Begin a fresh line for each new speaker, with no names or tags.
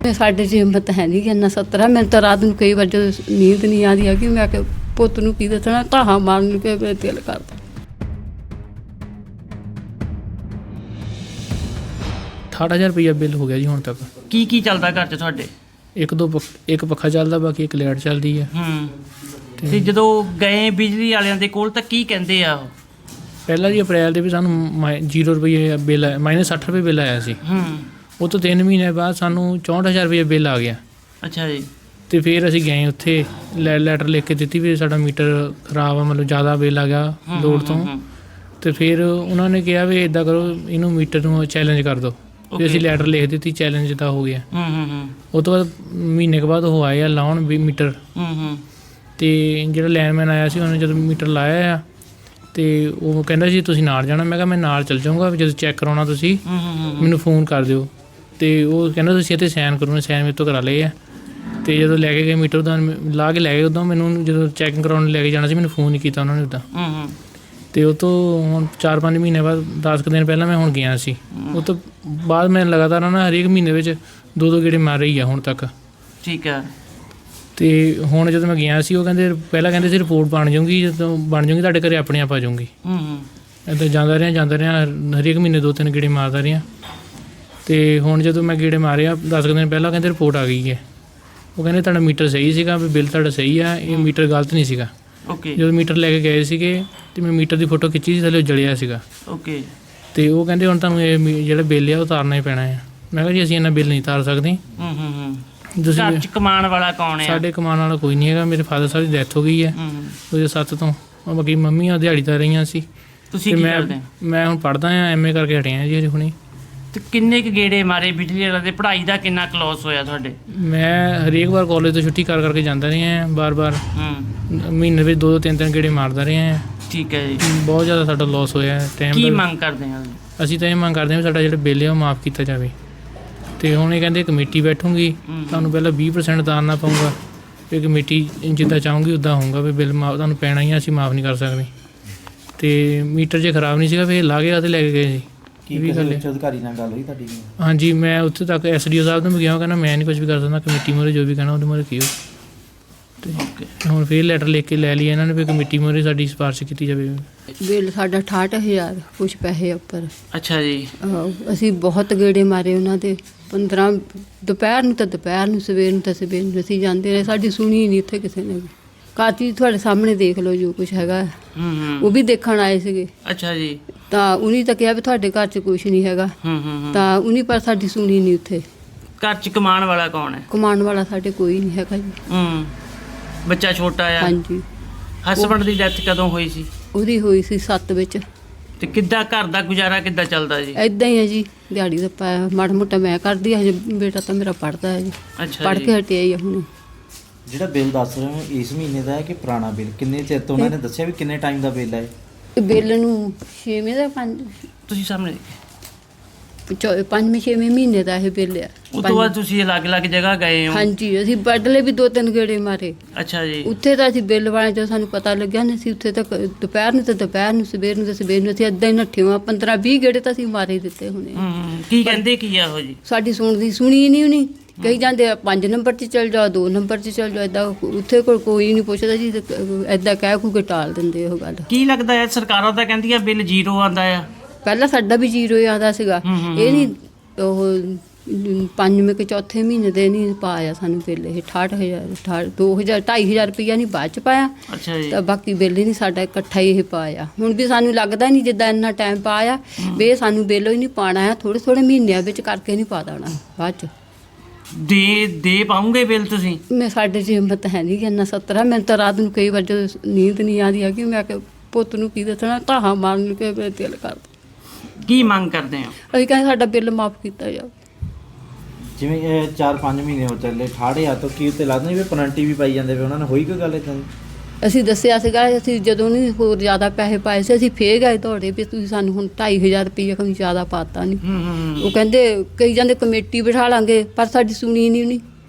ਸਾਡੇ 'ਚ ਹਿੰਮਤ ਹੈ ਨਹੀਂ ਕਿ ਇੰਨਾ 70 ਮੈਨੂੰ ਤਾਂ ਰਾਤ ਨੂੰ ਕਈ ਵਾਰ ਜਦੋਂ ਨੀਂਦ ਨਹੀਂ ਆਉਂਦੀ ਹੈਗੀ ਮੈਂ ਕਿ ਪੁੱਤ ਨੂੰ ਕੀ ਦੱਸਣਾ ਧਾਹਾਂ ਮਾਰਨ ਨੂੰ ਕਿ ਮੇਰਾ ਦਿਲ ਕਰਦਾ।
68,000 ਰੁਪਈਆ ਬਿੱਲ ਹੋ ਗਿਆ ਜੀ ਹੁਣ ਤੱਕ।
ਕੀ ਚੱਲਦਾ ਘਰ 'ਚ ਤੁਹਾਡੇ?
ਇੱਕ ਪੱਖਾ ਚੱਲਦਾ, ਬਾਕੀ ਇੱਕ ਲਾਈਟ ਚੱਲਦੀ ਹੈ।
ਤੇ ਜਦੋਂ ਗਏ ਬਿਜਲੀ ਵਾਲਿਆਂ ਦੇ ਕੋਲ ਤਾਂ ਕੀ ਕਹਿੰਦੇ ਆ ਉਹ?
ਪਹਿਲਾਂ ਜੀ ਅਪ੍ਰੈਲ ਦੇ ਵੀ ਸਾਨੂੰ 0 ਰੁਪਏ ਬਿੱਲ ਆਇਆ, -60 ਰੁਪਏ ਬਿੱਲ ਆਇਆ ਸੀ। ਉਹ ਤੋਂ 3 ਮਹੀਨੇ ਬਾਅਦ ਸਾਨੂੰ 64,000 ਰੁਪਏ ਬਿੱਲ ਆ ਗਿਆ।
ਅੱਛਾ ਜੀ।
ਤੇ ਫਿਰ ਅਸੀਂ ਗਏ ਉੱਥੇ ਲੈਟਰ ਲਿਖ ਕੇ ਦਿੱਤੀ ਵੀ ਸਾਡਾ ਮੀਟਰ ਖਰਾਬ ਆ, ਮਤਲਬ ਜ਼ਿਆਦਾ ਬਿੱਲ ਆ ਗਿਆ ਲੋਡ ਤੋਂ। ਤੇ ਫਿਰ ਉਹਨਾਂ ਨੇ ਕਿਹਾ ਵੀ ਇੱਦਾਂ ਕਰੋ, ਇਹਨੂੰ ਮੀਟਰ ਨੂੰ ਚੈਲੰਜ ਕਰ ਦਿਓ। ਵੀ ਅਸੀਂ ਲੈਟਰ ਲਿਖ ਦਿੱਤੀ, ਚੈਲੰਜ ਤਾਂ ਹੋ ਗਿਆ। ਉਹ ਤੋਂ ਬਾਅਦ ਮਹੀਨੇ ਕੁ ਬਾਅਦ ਉਹ ਆਏ ਆ ਲਾਉਣ ਵੀ ਮੀਟਰ। ਤੇ ਜਿਹੜਾ ਲੈਂਡਮੈਨ ਆਇਆ ਸੀ ਉਹਨੇ ਜਦੋਂ ਮੀਟਰ ਲਾਇਆ ਆ ਤੇ ਉਹ ਕਹਿੰਦਾ ਸੀ ਤੁਸੀਂ ਨਾਲ ਜਾਣਾ। ਮੈਂ ਕਿਹਾ ਮੈਂ ਨਾਲ ਚੱਲ ਜਾਊਂਗਾ, ਜਦੋਂ ਚੈੱਕ ਕਰਾਉਣਾ ਤੁਸੀਂ ਮੈਨੂੰ ਫੋਨ ਕਰ ਦਿਓ। ਤੇ ਉਹ ਕਹਿੰਦਾ ਤੁਸੀਂ ਇੱਥੇ ਸਾਈਨ ਕਰੋ। ਸਾਈਨ ਮੇਰੇ ਤੋਂ ਕਰਾ ਲਏ ਆ। ਤੇ ਜਦੋਂ ਲੈ ਕੇ ਗਏ ਮੀਟਰ ਦਾ ਲਾ ਕੇ ਲੈ ਗਏ, ਉਦੋਂ ਮੈਨੂੰ ਜਦੋਂ ਚੈਕਿੰਗ ਕਰਾਉਣ ਲੈ ਕੇ ਜਾਣਾ ਸੀ ਮੈਨੂੰ ਫੋਨ ਨਹੀਂ ਕੀਤਾ ਉਹਨਾਂ ਨੇ ਉੱਦਾਂ। ਤੇ ਉਹ ਤੋਂ ਹੁਣ 4-5 ਮਹੀਨੇ ਬਾਅਦ 10 ਕੁ ਦਿਨ ਪਹਿਲਾਂ ਮੈਂ ਹੁਣ ਗਿਆ ਸੀ। ਉਹ ਤੋਂ ਬਾਅਦ ਮੈਂ ਲਗਾਤਾਰ ਨਾ ਹਰੇਕ ਮਹੀਨੇ ਵਿੱਚ 2-2 ਗੇੜੇ ਮਾਰ ਰਹੀ ਆ ਹੁਣ ਤੱਕ।
ਠੀਕ ਹੈ।
ਤੇ ਹੁਣ ਜਦੋਂ ਮੈਂ ਗਿਆ ਸੀ ਉਹ ਕਹਿੰਦੇ ਪਹਿਲਾਂ ਕਹਿੰਦੇ ਸੀ ਰਿਪੋਰਟ ਬਣ ਜਾਊਗੀ, ਜਦੋਂ ਬਣ ਜਾਊਗੀ ਤੁਹਾਡੇ ਘਰੇ ਆਪਣੇ ਆਪ ਆ ਜਾਊਗੀ। ਇੱਦਾਂ ਜਾਂਦਾ ਰਿਹਾ ਹਰੇਕ ਮਹੀਨੇ 2-3 ਗੇੜੇ ਮਾਰਦਾ ਰਿਹਾ। ਤੇ ਹੁਣ ਜਦੋਂ ਮੈਂ ਗੇੜੇ ਮਾਰਿਆ 10 ਕੁ ਦਿਨ ਪਹਿਲਾਂ ਕਹਿੰਦੇ ਰਿਪੋਰਟ ਆ ਗਈ ਹੈ। ਉਹ ਕਹਿੰਦੇ ਤੁਹਾਡਾ ਮੀਟਰ ਸਹੀ ਸੀਗਾ, ਵੀ ਬਿੱਲ ਤੁਹਾਡਾ ਸਹੀ ਆ, ਇਹ ਮੀਟਰ ਗਲਤ ਨਹੀਂ ਸੀਗਾ। ਜਦੋਂ ਮੀਟਰ ਲੈ ਕੇ ਗਏ ਸੀਗੇ ਤੇ ਮੈਂ ਮੀਟਰ ਦੀ ਫੋਟੋ ਖਿੱਚੀ ਸੀ, ਥੱਲੇ ਜਲਿਆ ਸੀਗਾ। ਤੇ ਉਹ ਕਹਿੰਦੇ ਹੁਣ ਤੁਹਾਨੂੰ ਇਹ ਜਿਹੜਾ ਬਿੱਲ ਆ ਉਹ ਉਤਾਰਨਾ ਹੀ ਪੈਣਾ ਹੈ। ਮੈਂ ਕਿਹਾ ਜੀ ਅਸੀਂ ਇੰਨਾ ਬਿੱਲ ਨਹੀਂ ਉਤਾਰ ਸਕਦੇ।
ਘਰ 'ਚ ਕਮਾਉਣ ਵਾਲਾ ਕੌਣ ਹੈ? ਸਾਡੇ
ਕਮਾਉਣ ਵਾਲਾ ਕੋਈ ਨਹੀਂ ਹੈਗਾ। ਮੇਰੇ ਫਾਦਰ ਸਾਹਿਬ ਦੀ ਡੈਥ ਹੋ ਗਈ ਹੈ 2007 ਤੋਂ। ਬਾਕੀ ਮੰਮੀਆਂ ਦਿਹਾੜੀਦਾਰ ਰਹੀਆਂ ਸੀ।
ਤੁਸੀਂ ਕੀ ਕਰਦੇ?
ਮੈਂ ਹੁਣ ਪੜ੍ਹਦਾ ਹਾਂ, MA ਕਰਕੇ ਹਟਿਆ ਜੀ ਹੁਣੇ।
ਤੇ ਕਿੰਨੇ ਕੁ ਗੇੜੇ ਮਾਰੇ ਬਿਜਲੀ ਵਾਲਿਆਂ ਦੇ? ਪੜ੍ਹਾਈ ਦਾ ਕਿੰਨਾ ਕਲੋਸ ਹੋਇਆ ਤੁਹਾਡੇ?
ਮੈਂ ਹਰੇਕ ਵਾਰ ਕਾਲਜ ਤੋਂ ਛੁੱਟੀ ਕਰਕੇ ਜਾਂਦਾ ਰਿਹਾ ਬਾਰ-ਬਾਰ। ਮਹੀਨੇ ਵਿੱਚ 2-3 ਗੇੜੇ ਮਾਰਦਾ ਰਿਹਾ।
ਠੀਕ ਹੈ ਜੀ।
ਬਹੁਤ ਜ਼ਿਆਦਾ ਸਾਡਾ ਲੋਸ ਹੋਇਆ ਟਾਈਮ। ਕੀ
ਮੰਗ ਕਰਦੇ ਹਾਂ? ਅਸੀਂ
ਤਾਂ ਇਹ ਮੰਗ ਕਰਦੇ ਹਾਂ ਵੀ ਸਾਡਾ ਜਿਹੜਾ ਬਿੱਲ ਹੈ ਉਹ ਮਾਫ਼ ਕੀਤਾ ਜਾਵੇ। ਤੇ ਹੁਣ ਇਹ ਕਹਿੰਦੇ ਕਮੇਟੀ ਬੈਠੂਗੀ, ਤੁਹਾਨੂੰ ਪਹਿਲਾਂ 20% ਉਤਾਰਨਾ ਪਊਗਾ। ਫਿਰ ਕਮੇਟੀ ਜਿੱਦਾਂ ਚਾਹੂੰਗੀ ਉੱਦਾਂ ਹੋਊਗਾ ਵੀ ਬਿੱਲ ਮਾਫ਼ ਤੁਹਾਨੂੰ ਪੈਣਾ ਹੀ ਆ, ਅਸੀਂ ਮਾਫ਼ ਨਹੀਂ ਕਰ ਸਕਦੇ। ਤੇ ਮੀਟਰ ਜੇ ਖਰਾਬ ਨਹੀਂ ਸੀਗਾ ਫਿਰ ਲਾ ਕੇ ਅਤੇ ਲੈ ਕੇ ਗਏ ਸੀ।
ਅਧਿਕਾਰੀ ਨਾਲ ਗੱਲ ਹੋਈ ਤੁਹਾਡੀ?
ਹਾਂਜੀ, ਮੈਂ ਉੱਥੇ ਤੱਕ SDO ਸਾਹਿਬ ਨੂੰ ਵੀ ਗਿਆ, ਕਹਿੰਦਾ ਮੈਂ ਨਹੀਂ ਕੁਝ ਵੀ ਕਰ ਸਕਦਾ, ਕਮੇਟੀ ਮੂਹਰੇ ਜੋ ਵੀ ਕਹਿਣਾ ਉਹਦੇ ਮੂਹਰੇ ਕੀਓ। ਤੇ ਹੁਣ ਫਿਰ ਲੈਟਰ ਲਿਖ ਕੇ ਲੈ ਲਈ ਇਹਨਾਂ ਨੇ ਵੀ ਕਮੇਟੀ ਮੂਹਰੇ ਸਾਡੀ ਸਿਫਾਰਿਸ਼ ਕੀਤੀ ਜਾਵੇ।
ਬਿੱਲ ਸਾਡਾ 68,000 ਕੁਛ ਪੈਸੇ ਉੱਪਰ।
ਅੱਛਾ ਜੀ।
ਅਸੀਂ ਬਹੁਤ ਗੇੜੇ ਮਾਰੇ ਉਹਨਾਂ ਦੇ। 15 ਦੁਪਹਿਰ ਨੂੰ ਤਾਂ ਦੁਪਹਿਰ ਨੂੰ, ਸਵੇਰ ਨੂੰ ਤਾਂ ਸਵੇਰ ਨੂੰ ਅਸੀਂ ਜਾਂਦੇ ਰਹੇ। ਸਾਡੀ ਸੁਣੀ ਨਹੀਂ ਉੱਥੇ ਕਿਸੇ ਨੇ ਵੀ। ਕਾਤੀ ਤੁਹਾਡੇ ਸਾਹਮਣੇ ਦੇਖ ਲਓ ਜੋ ਕੁਛ ਹੈਗਾ। ਉਹ ਵੀ ਦੇਖਣ ਆਏ ਸੀਗੇ।
ਅੱਛਾ ਜੀ।
ਤਾਂ ਉਹਨੇ ਤਾਂ ਕਿਹਾ ਵੀ ਤੁਹਾਡੇ ਘਰ 'ਚ ਕੁਛ ਨਹੀਂ ਹੈਗਾ। ਤਾਂ ਉਹਨੇ ਪਰ ਸਾਡੀ ਸੁਣੀ ਨਹੀਂ ਉੱਥੇ।
ਘਰ 'ਚ ਕਮਾਉਣ ਵਾਲਾ ਕੌਣ ਹੈ?
ਕਮਾਉਣ ਵਾਲਾ ਸਾਡੇ ਕੋਈ ਨਹੀਂ ਹੈਗਾ ਜੀ।
ਬੱਚਾ ਛੋਟਾ ਆ?
ਹਾਂਜੀ।
ਹਸਬੈਂਡ ਦੀ ਡੈਥ ਕਦੋਂ ਹੋਈ ਸੀ?
ਉਹਦੀ ਹੋਈ ਸੀ 7 ਵਿੱਚ।
ਤੇ ਕਿੱਦਾਂ ਘਰ ਦਾ ਗੁਜ਼ਾਰਾ ਕਿੱਦਾਂ ਚੱਲਦਾ ਜੀ?
ਇੱਦਾਂ ਹੀ ਹੈ ਜੀ, ਦਿਹਾੜੀ ਦਾ ਪਾਇਆ ਮਾੜਾ ਮੋਟਾ ਮੈਂ ਕਰਦੀ ਹਾਂ। ਹਜੇ ਬੇਟਾ ਤਾਂ ਮੇਰਾ ਪੜ੍ਹਦਾ ਹੈ ਜੀ।
ਅੱਛਾ।
ਪੜ੍ਹ ਕੇ ਹਟਿਆ ਹੀ ਆ ਹੁਣ।
ਜਿਹੜਾ ਬਿੱਲ ਦੱਸ ਰਹੇ ਹੋ ਇਸ ਮਹੀਨੇ ਦਾ ਹੈ ਕਿ ਪੁਰਾਣਾ ਬਿੱਲ? ਕਿੰਨੇ ਚਿਰ ਤੋਂ ਉਹਨਾਂ ਨੇ ਦੱਸਿਆ ਵੀ ਕਿੰਨੇ ਟਾਈਮ ਦਾ ਬਿੱਲ ਹੈ?
ਬਿੱਲ ਨੂੰ 6ਵੇਂ ਦਾ 5
ਤੁਸੀਂ ਸਾਹਮਣੇ
5ਵੇਂ-6ਵੇਂ ਮਹੀਨੇ ਦਾ ਇਹ ਬਿੱਲ ਆ।
ਉਸ ਤੋਂ ਬਾਅਦ ਤੁਸੀਂ ਅਲੱਗ-ਅਲੱਗ ਜਗ੍ਹਾ ਗਏ ਹੋ?
ਹਾਂਜੀ, ਅਸੀਂ ਬਦਲੇ ਵੀ 2-3 ਗੇੜੇ ਮਾਰੇ।
ਅੱਛਾ ਜੀ। ਉੱਥੇ
ਤਾਂ ਅਸੀਂ ਬਿੱਲ ਵਾਲੇ ਜਦੋਂ ਸਾਨੂੰ ਪਤਾ ਲੱਗਿਆ ਨਾ, ਅਸੀਂ ਉੱਥੇ ਤੱਕ ਦੁਪਹਿਰ ਨੂੰ ਤਾਂ ਦੁਪਹਿਰ ਨੂੰ, ਸਵੇਰ ਨੂੰ ਤਾਂ ਸਵੇਰ ਨੂੰ ਅਸੀਂ ਇੱਦਾਂ ਹੀ ਨੱਠੇ ਹਾਂ। 15-20 ਗੇੜੇ ਤਾਂ ਅਸੀਂ ਮਾਰੇ ਦਿੱਤੇ ਹੋਣੇ।
ਕੀ ਕਹਿੰਦੇ ਕੀ ਆ ਉਹ ਜੀ?
ਸਾਡੀ ਸੁਣੀ ਨਹੀਂ ਉਹਨੀ। ਕਹੀ ਜਾਂਦੇ ਆ 5 ਨੰਬਰ 'ਚ ਚੱਲ ਜਾਓ, 2 ਨੰਬਰ 'ਚ ਚੱਲ ਜਾਓ। ਇੱਦਾਂ ਉੱਥੇ ਕੋਈ ਨਹੀਂ ਪੁੱਛਦਾ ਜੀ। ਇੱਦਾਂ ਕਹਿ ਖੂ ਕੇ ਟਾਲ ਦਿੰਦੇ ਉਹ ਗੱਲ।
ਕੀ ਲੱਗਦਾ ਹੈ ਸਰਕਾਰਾਂ ਤਾਂ ਕਹਿੰਦੀਆਂ ਬਿੱਲ 0 ਆਉਂਦਾ ਆ? ਪਹਿਲਾਂ
ਸਾਡਾ ਵੀ 0 ਆਉਂਦਾ ਸੀਗਾ। ਇਹ ਨਹੀਂ ਉਹ 5ਵੇਂ ਕਿ 4ਥੇ ਮਹੀਨੇ ਦੇ ਨਹੀਂ ਪਾਇਆ ਸਾਨੂੰ ਬਿੱਲ। ਇਹ 68,000 2,000 ਰੁਪਈਆ ਨਹੀਂ ਬਾਅਦ 'ਚ ਪਾਇਆ।
ਅੱਛਾ ਜੀ।
ਤਾਂ ਬਾਕੀ ਬਿੱਲ ਹੀ ਨਹੀਂ ਸਾਡਾ ਇਕੱਠਾ ਹੀ ਇਹ ਪਾਇਆ। ਹੁਣ ਵੀ ਸਾਨੂੰ ਲੱਗਦਾ ਨਹੀਂ ਜਿੱਦਾਂ ਇੰਨਾ ਟਾਈਮ ਪਾਇਆ ਵੀ ਇਹ ਸਾਨੂੰ ਬਿੱਲ ਹੀ ਨਹੀਂ ਪਾਉਣਾ ਆ। ਥੋੜ੍ਹੇ ਮਹੀਨਿਆਂ ਵਿੱਚ ਕਰਕੇ ਨਹੀਂ ਪਾ ਦੇਣਾ ਬਾਅਦ 'ਚ।
ਦੇ ਪਾਉਂਗੇ ਬਿੱਲ ਤੁਸੀਂ?
ਸਾਡੇ 'ਚ ਹਿੰਮਤ ਹੈ ਨਹੀਂ ਕਿ ਇੰਨਾ 70 ਮੈਨੂੰ ਤਾਂ ਰਾਤ ਨੂੰ ਕਈ ਵਾਰ ਜਦੋਂ ਨੀਂਦ ਨਹੀਂ ਆਉਂਦੀ ਹੈਗੀ ਮੈਂ ਕਿ ਪੁੱਤ ਨੂੰ ਕੀ ਦੱਸਣਾ ਧਾਹਾਂ ਮਾਰਨ ਨੂੰ ਕਿ ਮੇਰਾ ਦਿਲ ਕਰਦਾ।
ਕੀ ਮੰਗ ਕਰਦੇ ਹੋ?
ਅਸੀਂ ਕਹਿੰਦੇ ਸਾਡਾ ਬਿੱਲ ਮਾਫ਼ ਕੀਤਾ ਜਾਵੇ।
ਜਿਵੇਂ 4-5 ਮਹੀਨੇ ਹੋ ਚੱਲੇ 68,000 ਤੋਂ ਕੀ ਉੱਤੇ ਲੱਗਦਾ ਨਹੀਂ ਵੀ ਪੈਨਲਟੀ ਵੀ ਪਾਈ ਜਾਂਦੇ ਵੀ ਉਹਨਾਂ ਨੇ ਹੋਈ ਕੋਈ ਗੱਲ ਇੱਦਾਂ ਦੀ?
ਅਸੀਂ ਦੱਸਿਆ ਸੀਗਾ। ਅਸੀਂ ਜਦੋਂ ਨਹੀਂ ਹੋਰ ਜ਼ਿਆਦਾ ਪੈਸੇ ਪਾਏ ਸੀ ਅਸੀਂ ਫੇਰ ਗਏ ਦੌੜੇ ਵੀ ਤੁਸੀਂ ਸਾਨੂੰ ਹੁਣ 2,500 ਰੁਪਈਆ ਕੋਈ ਜ਼ਿਆਦਾ ਪਾਤਾ ਨਹੀਂ। ਉਹ ਕਹਿੰਦੇ ਕਈ ਜਾਂਦੇ ਕਮੇਟੀ ਬਿਠਾ ਲਾਂਗੇ, ਪਰ ਸਾਡੀ ਸੁਣੀ ਨਹੀਂ ਉਹਨੇ।